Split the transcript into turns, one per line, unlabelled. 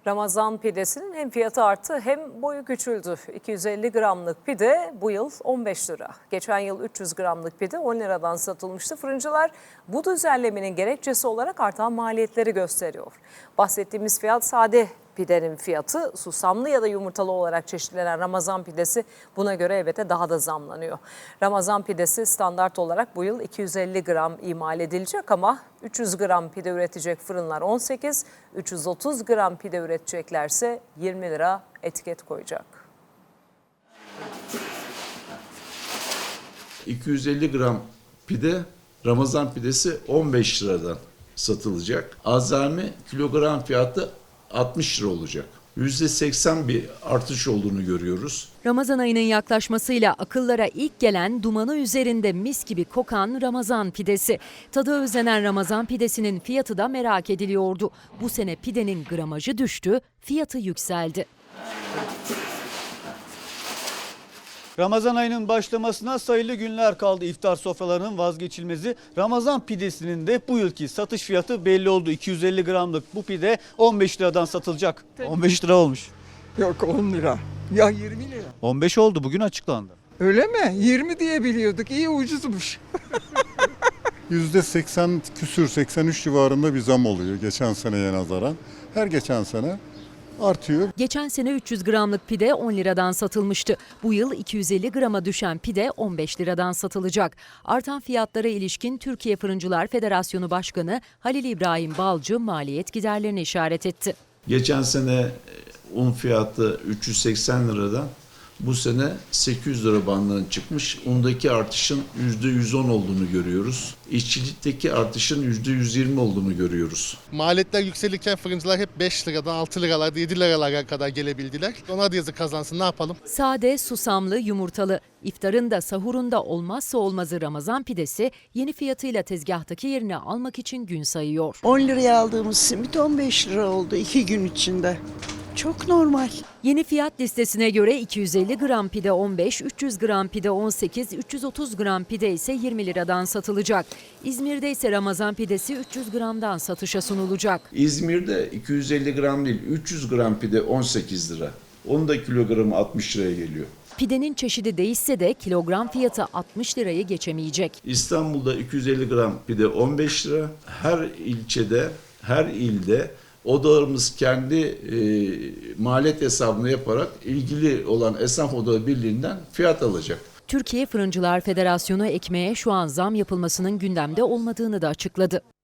Ramazan pidesinin hem fiyatı arttı hem boyu küçüldü. 250 gramlık pide bu yıl 15 lira. Geçen yıl 300 gramlık pide 10 liradan satılmıştı. Fırıncılar bu düzenlemenin gerekçesi olarak artan maliyetleri gösteriyor. Bahsettiğimiz fiyat sade pidenin fiyatı, susamlı ya da yumurtalı olarak çeşitlenen Ramazan pidesi buna göre elbette daha da zamlanıyor. Ramazan pidesi standart olarak bu yıl 250 gram imal edilecek ama 300 gram pide üretecek fırınlar 18, 330 gram pide üreteceklerse 20 lira etiket koyacak.
250 gram pide, Ramazan pidesi 15 liradan satılacak. Azami kilogram fiyatı 60 lira olacak. %80 bir artış olduğunu görüyoruz.
Ramazan ayının yaklaşmasıyla akıllara ilk gelen dumanı üzerinde mis gibi kokan Ramazan pidesi. Tadı özlenen Ramazan pidesinin fiyatı da merak ediliyordu. Bu sene pidenin gramajı düştü, fiyatı yükseldi.
Ramazan ayının başlamasına sayılı günler kaldı. İftar sofralarının vazgeçilmezi Ramazan pidesinin de bu yılki satış fiyatı belli oldu. 250 gramlık bu pide 15 liradan satılacak. 15 lira olmuş.
Yok 10 lira. Ya 20 lira.
15 oldu, bugün açıklandı.
Öyle mi? 20 diye biliyorduk. İyi ucuzmuş.
%80 küsür 83 civarında bir zam oluyor geçen seneye nazaran. Her geçen sene artıyor.
Geçen sene 300 gramlık pide 10 liradan satılmıştı. Bu yıl 250 grama düşen pide 15 liradan satılacak. Artan fiyatlara ilişkin Türkiye Fırıncılar Federasyonu Başkanı Halil İbrahim Balcı maliyet giderlerini işaret etti.
Geçen sene un fiyatı 380 liradan bu sene 800 lira bandına çıkmış. Undaki artışın %110 olduğunu görüyoruz. İşçilikteki artışın %120 olduğunu görüyoruz.
Maliyetler yükselirken fırıncılar hep 5 liradan 6 liralarda 7 liralara kadar gelebildiler. Ona da yazık kazansın, ne yapalım?
Sade, susamlı, yumurtalı. İftarın da sahurun da olmazsa olmazı Ramazan pidesi yeni fiyatıyla tezgahtaki yerini almak için gün sayıyor.
10 liraya aldığımız simit 15 lira oldu 2 gün içinde. Çok normal.
Yeni fiyat listesine göre 250 gram pide 15, 300 gram pide 18, 330 gram pide ise 20 liradan satılacak. İzmir'de ise Ramazan pidesi 300 gramdan satışa sunulacak.
İzmir'de 250 gram değil 300 gram pide 18 lira. Onun da kilogramı 60 liraya geliyor.
Pidenin çeşidi değişse de kilogram fiyatı 60 lirayı geçemeyecek.
İstanbul'da 250 gram pide 15 lira. Her ilçede, her ilde odalarımız kendi maliyet hesabını yaparak ilgili olan esnaf odaları birliğinden fiyat alacak.
Türkiye Fırıncılar Federasyonu ekmeğe şu an zam yapılmasının gündemde olmadığını da açıkladı.